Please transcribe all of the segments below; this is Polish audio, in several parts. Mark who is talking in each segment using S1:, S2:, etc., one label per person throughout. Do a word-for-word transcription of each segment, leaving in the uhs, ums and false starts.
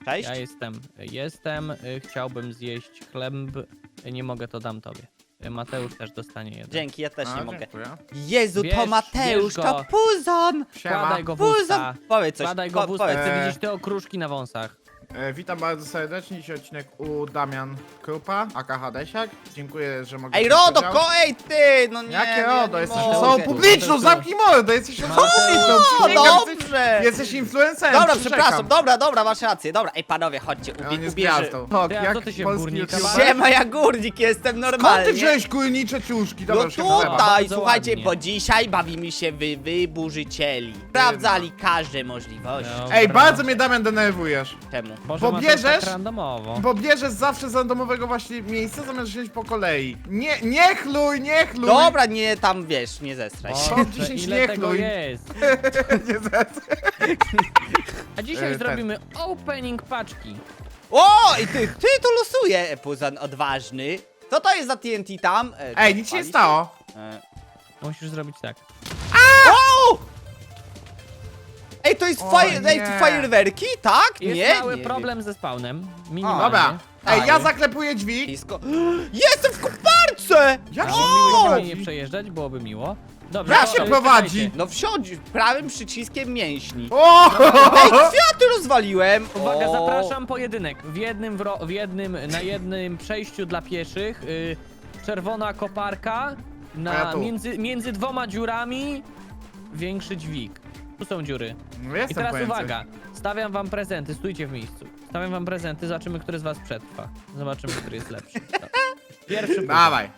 S1: Cześć.
S2: Ja jestem, jestem, y, chciałbym zjeść chleb, nie mogę, to dam tobie. Y, Mateusz też dostanie jeden.
S1: Dzięki, ja też
S3: A,
S1: nie mogę.
S3: dziękuję.
S1: Jezu,
S2: Bierz-
S1: to Mateusz,
S2: bierz
S1: to
S2: go.
S1: Puzon!
S3: Siema.
S2: Wkładaj go w
S1: Puzon!
S2: usta,
S1: Powiedz coś,
S2: wkładaj go w
S1: po,
S2: usta,
S1: powiedz.
S2: chcę
S3: Eee.
S2: widzieć te okruszki na wąsach.
S3: E, witam bardzo serdecznie, dzisiaj odcinek u Damian Krupa, aka Hadesiak. Dziękuję, że mogę...
S1: Ej,
S3: wziąć
S1: Rodo,
S3: udział.
S1: ko, ej ty! No nie,
S3: Jakie
S1: nie,
S3: Rodo?
S1: nie
S3: Jesteś
S1: mogę.
S3: osobą publiczną, zamknij mordę, jesteś osobą publiczną,
S1: O,
S3: przysięgam, jesteś-
S1: dobrze!
S3: Jesteś influencerem,
S1: Dobra,
S3: przyrzekam.
S1: przepraszam, dobra, dobra, masz rację. Dobra, ej panowie, chodźcie,
S3: Ja
S1: ubie,
S3: nie z
S1: ubierzy.
S3: gwiazdą. Tak,
S2: Ty, a
S3: jak
S2: co ty się
S3: polski
S2: górnika
S3: youtuber.
S2: bawisz?
S1: Siema, ja górnik jestem
S3: Skąd
S1: normalnie.
S3: ty wziąłeś górnicze ciuszki?
S1: No
S3: Dobra, już się chleba.
S1: tutaj,
S2: Bardzo
S1: słuchajcie,
S2: ładnie.
S1: bo dzisiaj bawimy się wy wyburzycieli. Sprawdzali każde możliwości.
S2: Dobra.
S3: Ej, bardzo mnie Damian denerwujesz.
S1: Czemu?
S2: Może
S3: bo
S2: Mateusz
S3: bierzesz-
S2: tak randomowo.
S3: Bo bierzesz zawsze z randomowego właśnie miejsca, zamiast wziąć po kolei. Nie, nie chluj, nie chluj!
S1: Dobra, nie tam, wiesz, nie zestraj się.
S3: Top
S2: Boże,
S3: dziesięć
S2: ile
S3: nie
S2: tego
S3: chluj.
S2: jest?
S3: nie zec-
S2: A dzisiaj
S3: E, ten.
S2: zrobimy opening paczki.
S1: O, i ty, ty tu losuje, Puzon odważny. Co to jest za T N T tam? E,
S3: Ej, nic się nie
S1: palisz?
S3: stało.
S1: E,
S2: Musisz zrobić tak.
S1: o! Ej, to jest
S3: O,
S1: fire, ej,
S3: nie.
S1: to fajerwerki, tak?
S2: Jest
S1: nie,
S2: mały
S1: nie,
S2: problem ze spawnem. Minimalnie.
S3: Dobra. Ej,
S1: Tak.
S3: ja zaklepuję drzwi.
S1: Blisko. Jestem w koparce!
S3: Jak się
S2: O!
S3: mnie
S2: Nie
S3: prowadzi?
S2: przejeżdżać, byłoby miło. Dobrze,
S3: Jak
S2: to-
S3: się
S2: to
S3: prowadzi?
S2: czekajcie.
S1: No wsiądź prawym przyciskiem mięśni.
S3: O!
S1: Ej, kwiaty rozwaliłem!
S2: Uwaga,
S1: O.
S2: zapraszam pojedynek. W jednym, wro- w jednym, na jednym przejściu dla pieszych. Y, czerwona koparka.
S3: A
S2: Na,
S3: ja tu.
S2: między, między dwoma dziurami większy dźwig. Tu są dziury.
S3: No
S2: I
S3: jestem
S2: teraz
S3: pojęty.
S2: uwaga. Stawiam wam prezenty, stójcie w miejscu. Stawiam wam prezenty, zobaczymy, który z was przetrwa. Zobaczymy, który jest lepszy. Dobra. Pierwszy punkt.
S3: Dawaj.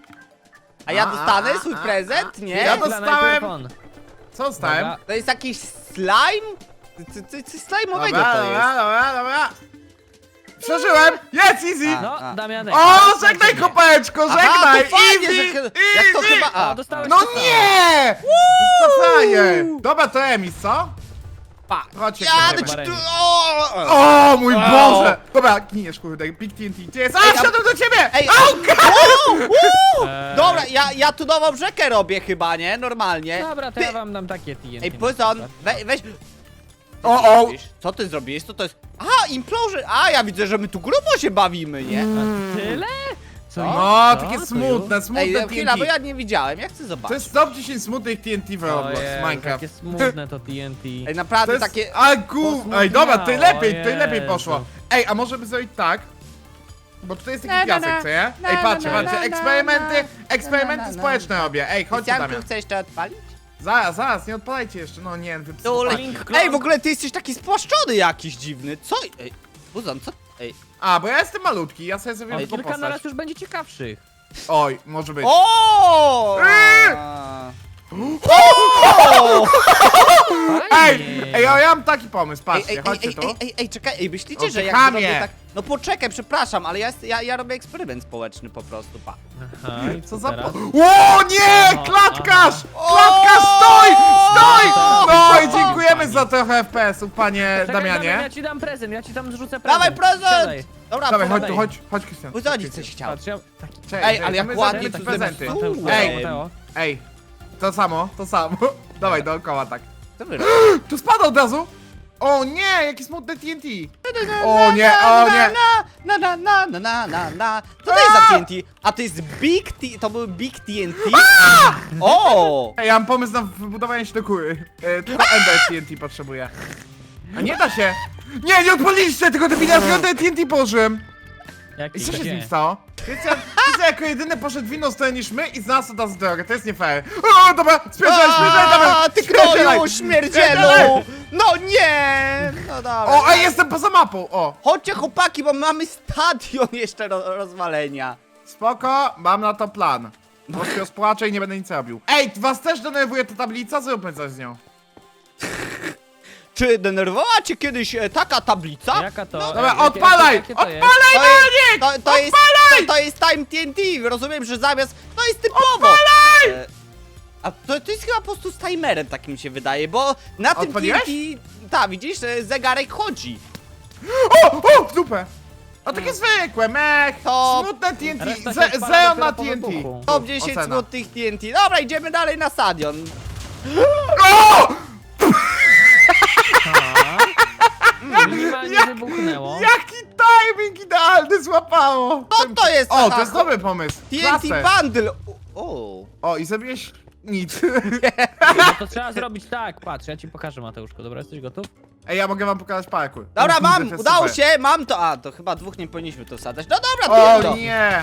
S1: A ja
S3: A,
S1: dostanę
S3: a,
S1: swój
S3: a,
S1: prezent? Nie?
S3: Ja
S2: Dla
S3: dostałem-
S2: najpierw on.
S3: Co dostałem?
S2: Dobra.
S1: To jest jakiś slime? Co- co- Coś slime'owego
S3: Dobra,
S1: to
S3: dobra,
S1: jest.
S3: dobra, dobra. Przeżyłem! Jest easy!
S1: A.
S2: No, Damianek.
S3: O,
S2: teraz
S3: żegnaj
S2: lecimy.
S3: kopeczko,
S1: Aha,
S3: żegnaj!
S1: to fajnie,
S3: Easy!
S1: że... Jak to
S3: easy!
S1: chyba... A,
S2: O, dostałeś
S3: No
S2: to samo.
S3: nie! To frajer! Dobra, to Emis, co?
S1: pa.
S3: Chodźcie,
S1: Jadę
S3: kurde.
S1: ci tu... O!
S3: O mój
S1: O!
S3: Boże! Dobra, gniesz kurde, Big T N T. Gdzie jest? A,
S1: Ej, a-
S3: wsiadłem do ciebie!
S1: Ej,
S3: Au!
S1: o! Uuu!
S2: Eee.
S1: Dobra, ja, ja tu nową rzekę robię chyba, nie? Normalnie.
S2: Dobra, to
S1: Ty-
S2: ja wam dam takie T N T.
S1: Ej,
S2: na
S1: Puzon,
S2: przykład.
S1: we, weź...
S3: O, o!
S1: Co ty zrobiłeś? Co to jest? Aha, implorzy! A, ja widzę, że my tu grubo się bawimy, nie?
S2: A tyle? Co?
S3: No,
S2: Co?
S3: takie
S2: To
S3: smutne,
S1: Ej,
S3: smutne
S1: chwila, bo
S3: T N T.
S1: ja nie widziałem, ja chcę
S3: To
S1: zobaczyć.
S3: jest top dziesięć smutnych T N T w
S2: już?
S3: Roblox,
S2: Ojej,
S3: Minecraft.
S2: takie smutne to T N T.
S1: Ej,
S3: To
S1: naprawdę
S3: jest...
S1: takie...
S3: A gu... Ej, dobra, ty
S2: Posmutniało,
S3: lepiej, ty lepiej
S2: Jezu.
S3: poszło. Ej, a może by zrobić tak? Bo tutaj jest
S1: Na,
S3: taki
S1: na,
S3: piasek,
S1: na.
S3: co nie?
S1: Na,
S3: Ej,
S1: na,
S3: patrzcie,
S1: na,
S3: patrzcie,
S1: na,
S3: eksperymenty,
S1: na, na,
S3: eksperymenty
S1: na, na,
S3: społeczne robię. Ej, chodźcie,
S1: Krystianku,
S3: Damian.
S1: chcesz to odpalić?
S3: Zaraz, zaraz, nie odpalajcie jeszcze, no nie,
S1: Tu
S3: wypsy.
S2: Link klon.
S1: Ej, w ogóle ty jesteś taki spłaszczony jakiś dziwny. Co? Ej, Puzon, co? Ej.
S3: A, bo ja jestem malutki, ja sobie zrobię
S2: Ale
S3: tylko
S2: kilka na raz
S3: postać.
S2: już będzie ciekawszych.
S3: Oj, może być.
S1: O!
S3: Eee!
S1: A.
S3: Ej,
S2: Fajnie.
S3: ej, ja mam taki pomysł,
S1: Ej,
S3: patrzcie,
S1: ej, ej,
S3: chodźcie
S1: ej,
S3: tu.
S1: ej, ej, ej, czekaj, ej, myślicie,
S3: O,
S1: że jak
S3: chamie.
S1: zrobię tak... No poczekaj, przepraszam, ale ja, jest- ja, ja robię eksperyment społeczny po prostu, pa.
S2: Aha, i
S3: Co za
S2: teraz?
S3: po... O nie,
S2: O,
S3: klatkarz!
S1: aha.
S3: Klatkarz, stój, stój!
S2: O,
S3: No i
S2: o,
S3: dziękujemy
S2: pani.
S3: za trochę F P S-ów, panie
S2: Czekaj, Damian, ja
S3: Damianie.
S2: ci dam prezent, ja ci tam zrzucę prezent.
S1: Dawaj prezent!
S2: Siadaj.
S1: Dobra,
S3: Dawaj, chodź
S1: podaj.
S3: tu, chodź, chodź Krystian.
S1: Uzodzić coś chciał.
S2: Patrz, ja... Taki...
S3: Czekaj,
S1: Ej,
S3: czekaj,
S1: ale jak
S3: my
S1: ładnie
S3: zrobimy
S1: tu
S3: prezenty.
S1: zamiast-
S2: Mateusz,
S3: Ej.
S2: Mateo.
S3: Ej, to samo, to samo. Dawaj, dookoła tak.
S1: Co wy robicie?
S3: Tu spada od razu! O nie, jaki smutny T N T! O nie, o nie!
S1: Na, na, na, na, na, na, na. Co to jest za T N T? A to jest Big T... To był Big T N T? O!
S3: Ej, ja mam pomysł na wybudowanie się do kury. E, tylko Ender T N T potrzebuję. A nie da się! Nie, nie odpaliliście tego debila, tylko T N T położyłem!
S2: Jaki?
S3: I co się z
S2: Gdzie?
S3: nim stało? Krystian, Krystian jako jedyny poszedł w inną stronę niż my i znalazł od nas drogę, to jest nie fair. O, dobra, spierdzaj, spierdzaj,
S1: A,
S3: dawaj!
S1: ty
S3: spierdzielaj.
S1: kroju, śmierdzielu!
S3: Spierdzielaj.
S1: No nie! No dobra.
S3: O, ej, jestem poza mapą, o!
S1: Chodźcie chłopaki, bo mamy stadion jeszcze do rozwalenia.
S3: Spoko, mam na to plan. Bo się rozpłaczę i nie będę nic robił. Ej, was też denerwuje ta tablica? Zróbmy coś z nią.
S1: Czy denerwowała cię kiedyś e, taka tablica?
S2: Jaka to?
S3: Dobra,
S2: jakie-
S3: odpalaj!
S2: jakie to jest?
S3: Odpalaj,
S1: To jest,
S3: Daniek!
S1: to, to, jest, to, to jest Time T N T, rozumiem, że zamiast... To jest typowo!
S3: Odpalaj!
S1: E, A to, to jest chyba po prostu z timerem, tak mi się wydaje, bo na tym T N
S3: Odpaliłeś?
S1: T... Tak, widzisz, e, zegarek chodzi.
S3: O, o, w dupę! A takie zwykłe, mech!
S1: To-
S3: Smutne T N T,
S2: Reszta się
S3: Ze-
S2: odpala
S3: zero
S2: dopiero
S3: na
S2: po
S3: T N T.
S2: wybuchu.
S1: Top dziesięć
S3: Ocena.
S1: smutnych T N T. Dobra, idziemy dalej na stadion.
S3: O!
S2: Aha. Mm, Minimalnie wybuchnęło.
S3: Jaki timing idealny złapało!
S1: Co to jest?
S3: O,
S1: Aha,
S3: to jest dobry pomysł.
S1: T N T
S3: Klasę.
S1: Bundle! O,
S3: O, i zrobiłeś nic.
S2: No to trzeba zrobić tak, patrz, ja ci pokażę, Mateuszko, dobra, jesteś gotów?
S3: Ej, ja mogę wam pokazać parkour.
S1: dobra,
S3: To
S1: mam,
S3: jest
S1: udało
S3: super.
S1: się, mam to. A, to chyba dwóch nie powinniśmy tu wsadzać. No dobra, to
S3: O
S1: jest to.
S3: nie!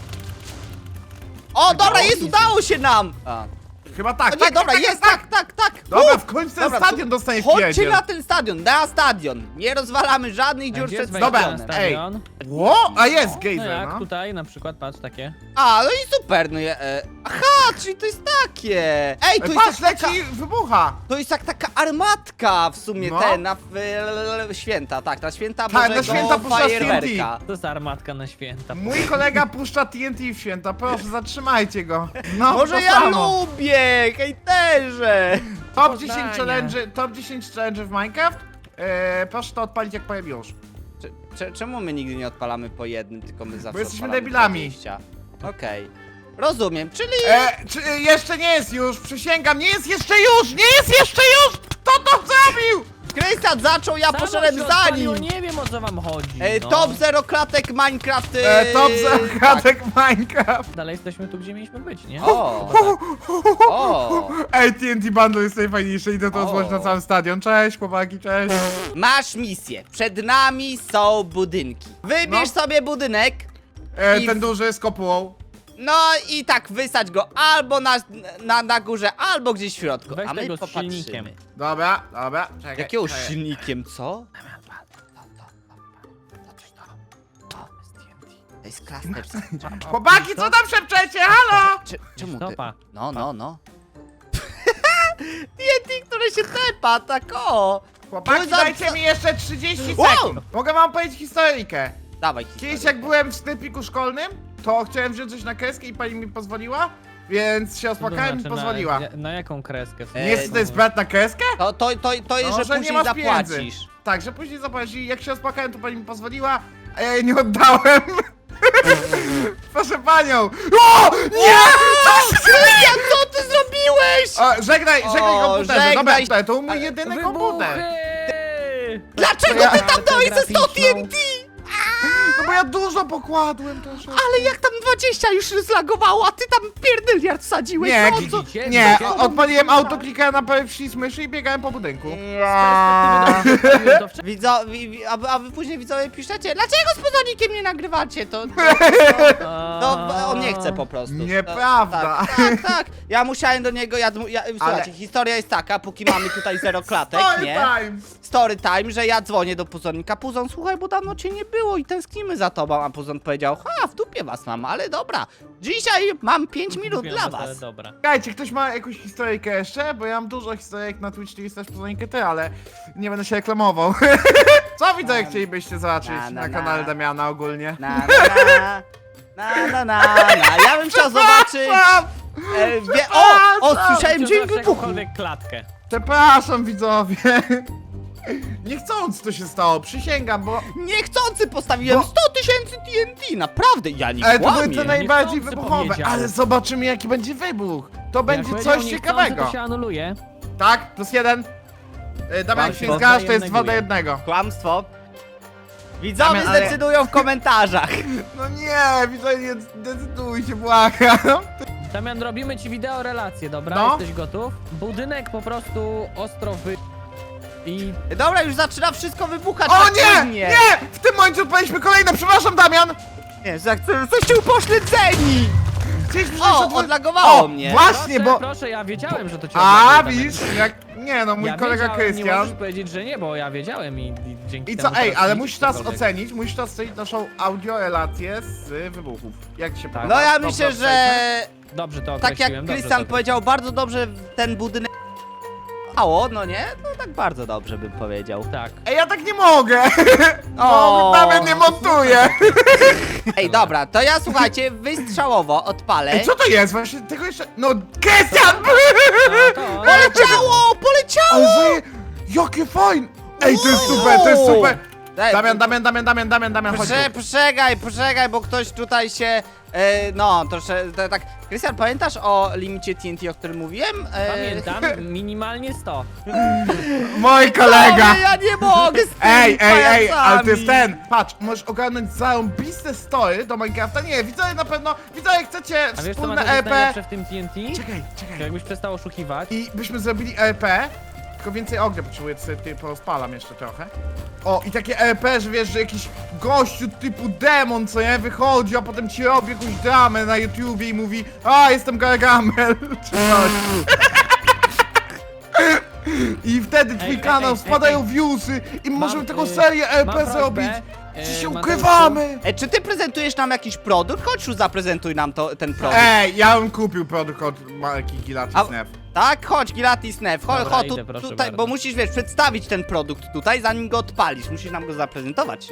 S1: O, dobra, jest, udało się nam! A.
S3: Chyba tak,
S1: O nie,
S3: tak,
S1: dobra,
S3: tak,
S1: jest,
S3: tak,
S1: tak, tak, tak.
S3: Dobra,
S1: U,
S3: w końcu ten
S1: dobra,
S3: stadion
S1: to-
S3: dostanie w
S1: Chodźcie
S3: pierdziel.
S1: na ten stadion, na stadion. Nie rozwalamy żadnych
S2: A
S1: dziur
S2: gdzie
S1: przed
S2: jest wejście
S3: Dobra,
S2: na
S1: stadionem.
S2: stadion?
S3: Ło, a jest
S2: No
S3: gejzer,
S2: jak
S3: no.
S2: tutaj na przykład, patrz, takie.
S1: A, no i super, no je, e, aha, czyli to jest takie. Ej, to
S3: Ej,
S1: jest
S3: patrz,
S1: tak, taka,
S3: leci, wybucha.
S1: to jest jak taka armatka w sumie,
S3: No.
S1: ten, na w, e, święta, tak, na święta
S3: Tak, na
S1: Bożego
S3: święta puszczasz
S1: fajerwerka.
S2: To jest armatka na święta.
S3: Mój kolega puszcza T N T w święta, proszę, zatrzymajcie go. No,
S1: Może
S3: to
S1: ja
S3: samo.
S1: lubię, hejterze.
S3: Top dziesięć
S2: Poznania.
S3: challenge, top dziesięć challenge w Minecraft. Eee, proszę to odpalić jak powiem już.
S1: Cze- cze- Czemu my nigdy nie odpalamy po jednym, tylko my zawsze
S3: jesteśmy
S1: odpalamy
S3: debilami.
S1: dwadzieścia? Okej. Rozumiem, czyli...
S3: E, czy, e, jeszcze nie jest już, przysięgam, nie jest jeszcze już, nie jest jeszcze już! Kto to zrobił?
S1: Krystian zaczął, ja
S2: Samo
S1: poszedłem
S2: się
S1: za
S2: odpaliło,
S1: nim.
S2: Nie wiem, o co wam chodzi,
S1: E,
S2: no.
S1: top zero klatek Minecraft.
S3: E, top
S1: tak.
S3: zakładek Minecraft.
S2: Dalej jesteśmy tu, gdzie mieliśmy być, nie?
S1: O.
S2: Chyba tak.
S1: O,
S3: Ej, T N T Bundle jest najfajniejsze, idę to
S1: O.
S3: złożyć na cały stadion. Cześć, chłopaki, cześć.
S1: masz misję. Przed nami są budynki. Wybierz
S3: No.
S1: sobie budynek.
S3: E,
S1: I-
S3: ten duży z kopułą.
S1: No i tak wysadź go albo na, na, na górze, albo gdzieś w środku.
S2: Weź
S1: A my
S2: tego z
S1: popatrzymy.
S2: silnikiem.
S3: Dobra, dobra, czekaj.
S1: Jakiego
S3: czekaj.
S1: silnikiem, co? To jest cluster.
S3: Chłopaki, co tam szepczecie, halo?
S1: Cze- Czemu ty?
S2: Stopa.
S1: No, no, no. T N T, które się tepa, tak o!
S3: Chłopaki,
S1: No za-
S3: dajcie mi jeszcze trzydzieści
S1: Wow.
S3: sekund. Mogę wam powiedzieć historyjkę.
S1: Dawaj,
S3: Kiedyś
S1: historię.
S3: jak byłem w sklepiku szkolnym, to chciałem wziąć coś na kreskę i pani mi pozwoliła, więc się
S2: To
S3: ospłakałem i
S2: znaczy,
S3: pozwoliła.
S2: Na, na jaką kreskę?
S1: E,
S3: Nie jest to jest brat na kreskę?
S1: To, to, to, to jest,
S3: No,
S1: że
S3: że nie
S1: później
S3: masz pieniędzy.
S1: zapłacisz.
S3: Tak, że później zapłacić i jak się ospłakałem, to pani mi pozwoliła, a ja jej nie oddałem. Proszę panią. O! Nie!
S1: Krystian, co ty zrobiłeś?
S3: O, żegnaj, żegnaj
S1: O,
S3: komputerze.
S1: żegnaj.
S3: Dobra, to mój jedyny komputer.
S2: Wybuchy!
S1: Dlaczego
S3: ja-
S1: ty tam dałeś ze sto T N T?
S3: No bo ja dużo pokładłem też.
S1: Ale jak tam dwadzieścia już zlagowało, a ty tam pierdyliard wsadziłeś,
S3: Nie,
S1: no
S3: gi-
S1: co?
S2: Widzicie?
S3: Nie,
S2: Widzicie?
S3: o- odpaliłem autoklika na prawy przycisk myszy i biegałem po budynku.
S2: Z perspektywy do- wcześniej-
S1: Widzo, wi, wi, a, a wy później widzowie piszecie, dlaczego z pozornikiem nie nagrywacie? To, to, to, to on nie chce po prostu.
S3: Nieprawda.
S1: Tak, tak, tak. Ja musiałem do niego, ja, ja słuchajcie, historia jest taka, póki mamy tutaj zero klatek,
S3: Story
S1: nie?
S3: time.
S1: Story time, że ja dzwonię do Puzonnika. Puzon, słuchaj, bo dawno cię nie było i tęsknimy za tobą. A Puzon powiedział, ha, w dupie was mam, ale dobra. Dzisiaj mam pięć minut
S2: Wiem,
S1: dla
S2: ale
S1: was.
S2: Dobra.
S3: Słuchajcie, ktoś ma jakąś historyjkę jeszcze? Bo ja mam dużo historyjek na Twitch, czyli też pozornikę ty, ale nie będę się reklamował. Co widzę, jak chcielibyście zobaczyć
S1: Na, na,
S3: na
S1: na.
S3: kanale Damiana ogólnie?
S1: Na, na, na, na, na, na. Ja bym chciał zobaczyć... E, wie, o, o, słyszałem
S2: Czy
S1: dźwięk
S2: znasz
S1: wybuchu.
S2: jakąkolwiek klatkę?
S3: Przepraszam, widzowie. Niechcąc to się stało, przysięgam, bo...
S1: Niechcący postawiłem
S3: Bo-
S1: sto tysięcy T N T, naprawdę, ja nie
S3: Ale to były
S1: kłamię.
S3: te najbardziej
S2: Niechcący
S3: wybuchowe,
S2: powiedział.
S3: ale zobaczymy jaki będzie wybuch. To będzie
S2: Jak
S3: coś
S2: powiedział niechcący,
S3: ciekawego.
S2: To się anuluje.
S3: Tak, plus jeden. Yy, Damian, jak się
S1: Kłamstwo.
S3: zgadzasz, to jest dwa do
S2: Neguje.
S3: jednego.
S1: Kłamstwo. Widzowie
S3: Damian, ale-
S1: zdecydują w komentarzach.
S3: No nie, widzowie, nie decyduj się, błagam.
S2: Damian, robimy ci wideo relację, dobra?
S3: No.
S2: Jesteś gotów? Budynek po prostu ostro wy... I
S1: Dobra, już zaczyna wszystko wybuchać.
S3: O
S1: tak
S3: nie,
S1: płynnie.
S3: nie! W tym momencie odpaliśmy kolejne, przepraszam, Damian!
S1: Nie, za- jesteście upośledzeni.
S3: Chcieliśmy
S1: O,
S3: jeszcze-
S1: odlagowało
S3: O,
S1: mnie.
S3: właśnie,
S2: proszę,
S3: bo...
S2: proszę, ja wiedziałem, że to cię
S3: A,
S2: odlaguje, Damian.
S3: widzisz, jak... Nie no, mój
S2: ja
S3: kolega
S2: wiedziałem, Nie
S3: Krystian.
S2: możesz powiedzieć, że nie, bo ja wiedziałem i, i dzięki
S3: I
S2: temu
S3: co, ej,
S2: teraz
S3: ale
S2: widzisz
S3: musisz teraz
S2: cokolwiek.
S3: ocenić, musisz teraz ocenić naszą audiorelację z wybuchów. Jak ci się podoba?
S1: No ja
S3: Dobrze
S1: myślę,
S3: ocenię?
S1: że
S2: Dobrze to
S1: tak jak
S2: określiłem, dobrze
S1: Krystian
S2: to
S1: powiedział, bardzo dobrze ten budynek mało, no nie? No tak bardzo dobrze bym powiedział.
S2: Tak.
S3: Ej, ja tak nie mogę!
S1: O.
S3: No, Damian nie montuje!
S1: Ej, dobra, to ja słuchajcie, wystrzałowo odpalę.
S3: Ej, co to jest? Właśnie tego jeszcze... No, Krystian!
S2: No, to,
S1: Poleciało, poleciało!
S3: Ale że... Jakie fajne! Ej, to jest super, to jest super!
S1: Daj,
S3: Damian, Damian, Damian, Damian, Damian, Damian, chodź
S1: Prze,
S3: tu.
S1: Poczekaj, poczekaj, bo ktoś tutaj się, e, no, trosze, to, tak, Krystian, pamiętasz o limicie T N T, o którym mówiłem? E,
S2: Pamiętam, minimalnie sto.
S3: Mój kolega!
S1: Ale ja nie mogę z tymi
S3: Ej, ej, ej, ale to jest
S1: pajacami.
S3: ten! Patrz, możesz ogarnąć zarąbiste story do Minecrafta. Nie, widzowie na pewno, widzowie chcecie
S2: A wiesz co
S3: wspólne
S2: Mateusz, jest
S3: E P.
S2: najlepsze w tym T N T?
S3: Czekaj,
S2: To
S3: czekaj.
S2: jakbyś przestał oszukiwać.
S3: I byśmy zrobili E P, tylko więcej ognia potrzebuję, to sobie ty porozpalam jeszcze trochę. O, i takie E P, że wiesz, że jakiś gościu typu demon, co nie, wychodzi, a potem ci robi jakąś dramę na YouTubie i mówi: a, jestem Gargamel, czy coś. I wtedy twój
S2: Ej, ej,
S3: kanał
S2: ej,
S3: spadają
S2: ej.
S3: viewsy i możemy
S2: Mam,
S3: taką
S2: y,
S3: serię E
S2: mam
S3: P
S2: prośbę,
S3: zrobić.
S2: y,
S3: Czy się
S2: Mateuszu.
S3: ukrywamy?
S1: E, czy ty prezentujesz nam jakiś produkt? Chodź, już zaprezentuj nam to, ten produkt.
S3: Ej, ja bym kupił produkt od marki Gilati
S1: A-
S3: Snap.
S1: Tak, chodź, Gilatis Nef, chodź,
S2: Dobra,
S1: chodź
S2: idę,
S1: tu,
S2: proszę
S1: tutaj,
S2: bardzo.
S1: bo musisz, wiesz, przedstawić ten produkt tutaj, zanim go odpalisz, musisz nam go zaprezentować.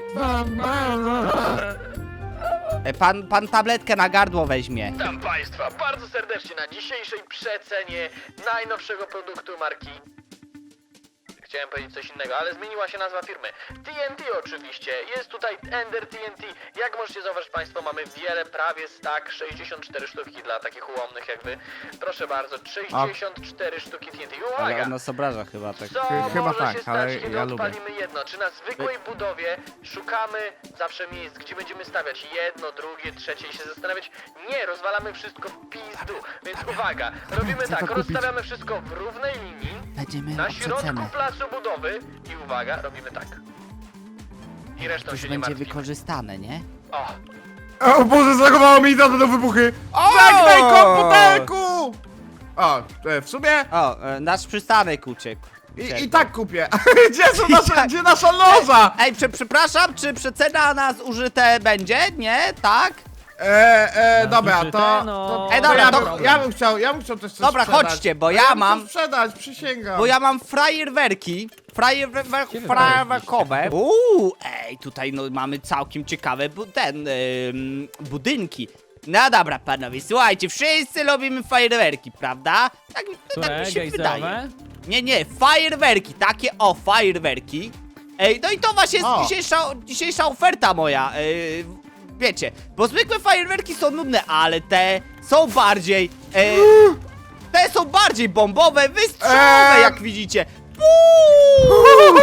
S1: E, pan, pan tabletkę na gardło weźmie.
S4: Witam Państwa bardzo serdecznie na dzisiejszej przecenie najnowszego produktu marki. Chciałem powiedzieć coś innego, ale zmieniła się nazwa firmy. T N T oczywiście, jest tutaj Ender T N T. Jak możecie zauważyć Państwo, mamy wiele, prawie stack, sześćdziesiąt cztery sztuki dla takich ułomnych jak Wy. Proszę bardzo, sześćdziesiąt cztery sztuki T N T. I
S1: Ale
S4: uwaga!
S1: on nas obraża chyba tak.
S4: Co
S3: Chyba
S4: może
S3: tak,
S4: się
S3: ale
S4: stać, kiedy
S3: ja lubię.
S4: odpalimy jedno? Czy na zwykłej budowie szukamy zawsze miejsc, gdzie będziemy stawiać jedno, drugie, trzecie i się zastanawiać? Nie, rozwalamy wszystko w pizdu. Więc uwaga, robimy
S3: Chcę to
S4: tak,
S3: kupić.
S4: rozstawiamy wszystko w równej linii,
S1: Będziemy
S4: na
S1: na
S4: środku
S1: przecenę.
S4: placu budowy i uwaga, robimy tak. I resztą
S1: Coś
S4: się nie
S1: będzie
S4: martwimy.
S1: wykorzystane, nie?
S4: O,
S3: O Boże, zlagowało mi i to będą wybuchy! Żegnaj komputerku! O, e, w sumie
S1: O, e, nasz przystanek uciekł.
S3: i, i tak kupię. Gdzie są nasze, gdzie nasza loża?
S1: Ej, prze, przepraszam, czy przecena na zużyte będzie? Nie? Tak?
S3: E, e,
S2: Na
S3: dobra,
S2: zużyte,
S3: to,
S2: no.
S3: to,
S1: Ej,
S3: to
S1: dobra,
S3: ja,
S1: to-
S3: bym, ja bym chciał, ja bym chciał też coś
S1: Dobra,
S3: sprzedać.
S1: chodźcie, bo
S3: A
S1: ja
S3: bym
S1: mam-
S3: chciał sprzedać, przysięgam.
S1: Bo ja mam frajerwerki. Frajerwer-
S2: Gdzie wy
S1: Frajerwerkowe. Uuu, ej, tutaj no mamy całkiem ciekawe bu ten, ym, budynki. No dobra, panowie, słuchajcie, wszyscy lubimy fajerwerki, prawda? Tak, tak
S2: Które?
S1: mi się wydaje.
S2: Gejzerowe?
S1: Nie, nie, fajerwerki, takie o, fajerwerki. Ej, no i to właśnie jest
S3: O.
S1: dzisiejsza, dzisiejsza oferta moja. Yy, wiecie, bo zwykłe fajerwerki są nudne, ale te są bardziej... Yy, te są bardziej bombowe, wystrzałowe,
S3: Eee.
S1: jak widzicie. Uuu!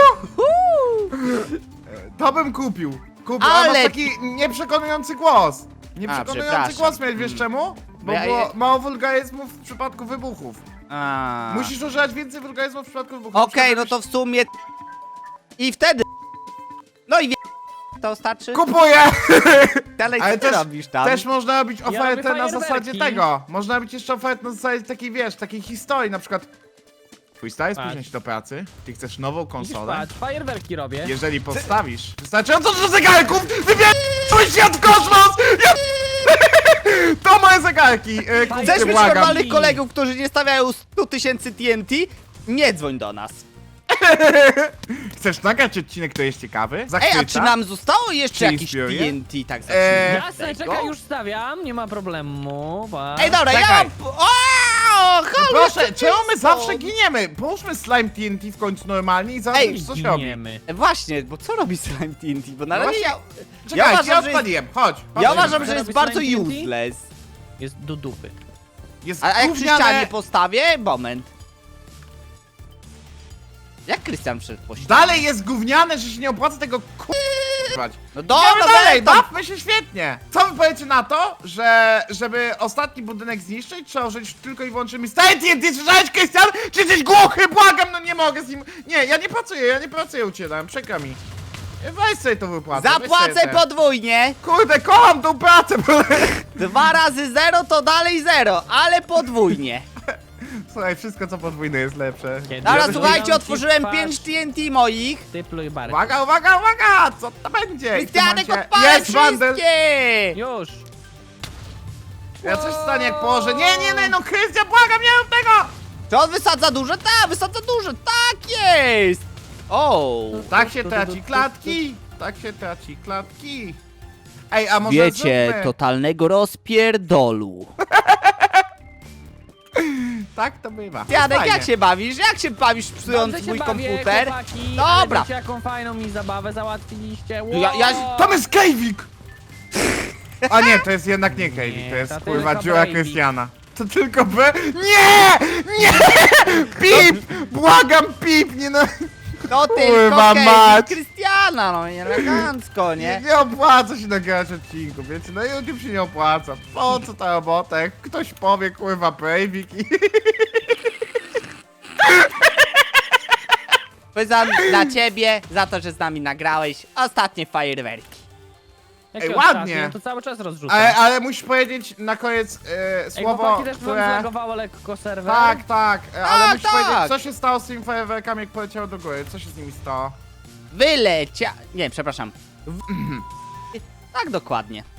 S3: To bym kupił. Kupił, ale...
S1: Ale-
S3: masz taki nieprzekonujący głos. Nieprzekonujący
S1: przepraszam.
S3: głos miałeś, wiesz czemu? Bo
S1: Ja-
S3: było
S1: ja-
S3: mało wulgaryzmów w przypadku wybuchów.
S1: A.
S3: Musisz używać więcej wulgaryzmów w przypadku wybuchów.
S1: Okej,
S3: Na
S1: no
S3: przykład
S1: to w sumie... I wtedy... No i wie... To starczy?
S3: kupuję!
S1: Dalej, co
S3: Ale
S1: ty
S3: też,
S1: robisz tam?
S3: też można robić
S2: robię
S3: ofertę na
S2: fajerwerki.
S3: zasadzie tego. Można robić jeszcze ofertę na zasadzie takiej, wiesz, takiej historii, na przykład twój stary spóźnia
S2: Patrz.
S3: się do pracy, ty chcesz nową
S2: Widzisz,
S3: konsolę.
S2: patrz, fajerwerki robię.
S3: Jeżeli postawisz wystarczająco dużo zegarków, wybierz swój świat w kosmos! Ja... To moje zegarki! E,
S1: Chcesz
S3: kupcie,
S1: mieć
S3: błagam.
S1: normalnych kolegów, którzy nie stawiają stu tysięcy T N T? Nie dzwoń do nas.
S3: Chcesz nagrać odcinek, który jest ciekawy?
S1: Ej,
S3: Zachwyca?
S1: a czy nam zostało jeszcze
S3: Czy
S1: jakieś
S3: inspiruje?
S1: T N T? Tak
S3: Eee,
S1: zacznijmy od
S2: Jasne,
S1: tego.
S2: czekaj, już stawiam, nie ma problemu. patrz.
S1: Ej, dobra, ja
S3: Czekaj.
S1: mam... O, halo,
S3: Proszę,
S1: jeszcze
S3: czemu my
S1: są?
S3: zawsze giniemy? Połóżmy slime T N T w końcu normalnie i zaraz
S1: Ej,
S3: już coś robi.
S2: Giniemy.
S1: Właśnie, bo co robi Slime T N T? Bo na
S3: No
S1: razie
S3: właśnie,
S1: ja...
S3: Czekaj,
S1: Ja
S3: ja,
S1: uważam, że jest-
S3: odpaliłem, chodź. chodź.
S1: Ja uważam,
S2: Co
S1: że jest
S2: robi
S1: bardzo
S2: Slime T N T?
S1: useless.
S2: Jest do dupy.
S3: Jest
S1: A, a jak przy
S3: gówniane-
S1: ścianie postawię? Moment. Jak Krystian wszedł po ścianie?
S3: Dalej jest gówniane, że się nie opłaca tego k***wać.
S1: No
S3: Idziemy
S1: dobra,
S3: dalej,
S1: dalej,
S3: bawmy się świetnie. Co wy powiecie na to, że żeby ostatni budynek zniszczyć, trzeba użyć tylko i wyłącznie Stary T N T, słyszałeś, Krystian? Czy jesteś głuchy? Błagam, no nie mogę z nim... Nie, ja nie pracuję, ja nie pracuję u ciebie, dałem, przykro mi. Weź sobie to wypłacę. weź
S1: Zapłacę
S3: sobie te-
S1: podwójnie.
S3: Kurde, kocham tą pracę, bo...
S1: Dwa razy zero to dalej zero, ale podwójnie.
S3: Słuchaj, wszystko co podwójne jest lepsze.
S2: Kiedy
S1: Dobra,
S2: Ja
S1: słuchajcie,
S2: wyglądam
S1: otworzyłem
S2: ci twarz.
S1: pięć T N T moich.
S2: Ty pluj bark.
S3: Uwaga, uwaga, uwaga! Co to będzie? I w tym
S1: Krystianek,
S3: momencie-
S1: odpalę
S3: Jest bundle!
S1: wszystkie!
S2: Już.
S3: Ja coś stanie jak położę. Nie, nie, nie, no Krystian, błagam, nie rób tego!
S1: Czy on wysadza duże? Tak, wysadza duże, tak jest! O!
S3: Tak się traci klatki! Tak się traci klatki! Ej, a może zróbmy...
S1: totalnego rozpierdolu.
S3: tak to bywa.
S1: Janek,
S3: Fajnie.
S1: jak się bawisz? Jak się bawisz psując
S2: Dobrze się
S1: mój
S2: bawię,
S1: komputer?
S2: chłopaki,
S1: Dobra.
S2: ale wiecie, jaką fajną mi zabawę załatwiliście. Wow.
S1: Ja- ja-
S3: Tam jest Kejwik! A nie, to jest jednak nie Kejwik,
S2: Nie,
S3: to jest
S2: to
S3: kurwa
S2: tylko
S3: dziura
S2: Brady.
S3: Krystiana. To tylko B... Nie! Nie! Pip! Błagam, Pip! Nie no...
S1: No
S3: Kurwa
S1: tylko
S3: mać.
S1: Kevin Krystiana, no nie elegancko,
S3: Nie,
S1: nie?
S3: nie opłaca się nagrywać odcinku, wiecie, no YouTube się nie opłaca. Po co ta robota? Jak ktoś powie, kurwa, Breivik i...
S1: Za, dla ciebie, za to, że z nami nagrałeś ostatnie fajerwerki.
S2: Jakie
S3: Ej,
S2: ostatnie?
S3: ładnie.
S2: Ja to cały czas rozrzucam.
S3: Ale, ale musisz powiedzieć na koniec e,
S2: Ej,
S3: słowo,
S2: chłopaki, też wam
S3: które...
S2: zlagowało lekko serwer.
S3: Tak, tak, e, ale
S1: Tak,
S3: musisz
S1: tak.
S3: powiedzieć, co się stało z tymi fajerwerkami, jak poleciały do góry, co się z nimi stało?
S1: Wylecia... Nie, przepraszam. W... Tak dokładnie.